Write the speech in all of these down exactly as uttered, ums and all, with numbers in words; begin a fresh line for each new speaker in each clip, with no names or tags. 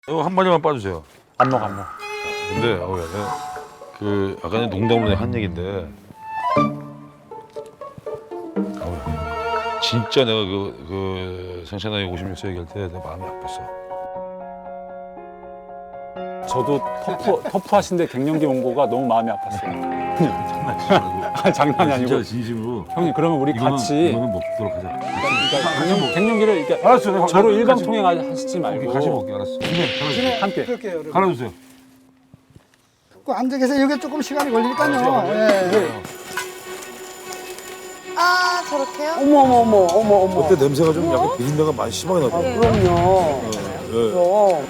이거 한 마디만 빠주세요.
안 먹어 안 먹어.
근데 어, 내가 그 아까 는 농담으로 내가 한 얘긴데 어, 진짜 내가 그, 그 생체 나이 오십육 세 얘기할 때 내가 마음이 아팠어.
저도 터프 터프하신데 갱년기 온 거가 너무 마음이 아팠어요.
장난치지 말고.
아, 장난이 아니고.
진짜 진심으로.
형님 그러면 우리
이거는,
같이
이거는 먹도록 하자.
그러니까 갱년, 갱년기를 이렇게
알았어. 내가
저로
같이
일방통행
먹-
하시지 말고
같이 먹게 알았어. 네, 갈아주세요.
함께.
그럴게요, 여러분.
갈아주세요.
그 앉아 계세요. 이게 조금 시간이 걸리니까요. 예.
아 저렇게요?
어머 어머 어머 어머 어머.
그때 냄새가 좀 약간 비린내가 많이 심하게 나더라고요.
그럼요.
네.
그럼.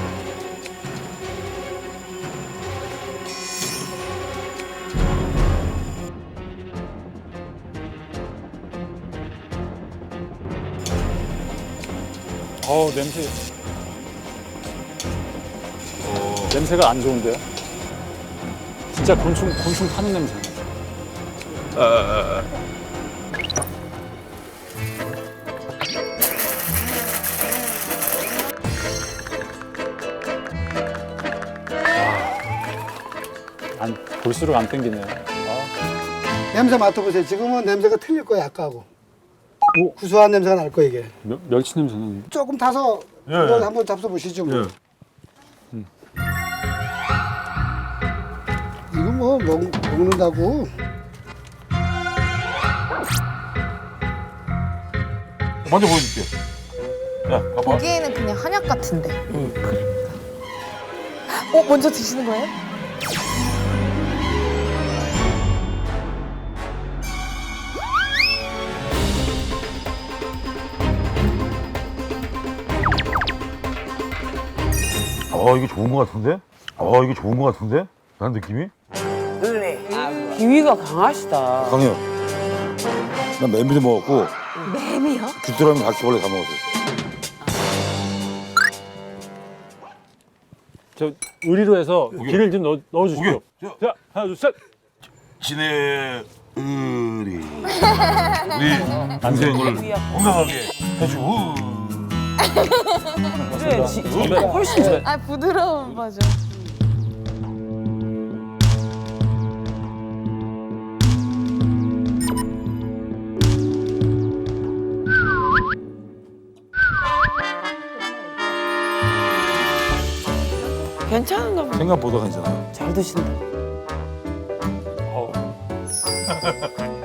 어 냄새. 냄새가 안 좋은데요? 진짜 곤충 곤충 타는 냄새.
아, 아, 아.
안 볼수록 안 땡기네요. 아,
냄새 맡아보세요. 지금은 냄새가 틀릴 거예요, 아까하고.
오.
구수한 냄새가 날 거예요, 이게.
멸, 멸치 냄새는.
조금 타서
예,
이거
예.
한번 잡숴보시죠. 뭐.
예.
이거 뭐 먹, 먹는다고.
먼저 보여줄게. 야, 봐봐.
보기에는 그냥 한약 같은데. 응, 그러니까. 어 먼저 드시는 거예요?
어, 이거 좋은 거 같은데? 어, 이거 좋은 거 같은데? 난 느낌이?
비위가 강하시다.
강해요. 난 메밀도 먹었고
뱀이요?
귀뚜라미 바퀴벌레 다 먹었어요.
저 의리로 해서 기를 좀 넣어, 넣어주십시오.
오케이.
자 하나 둘 셋.
진의 의리 우리 인생을 건강하게 해주고
그래, 지, 지가 훨씬 좋아.
아 부드러운 버전.
괜찮은가 보다.
생각보다 괜찮아요.
잘 드신다.
어.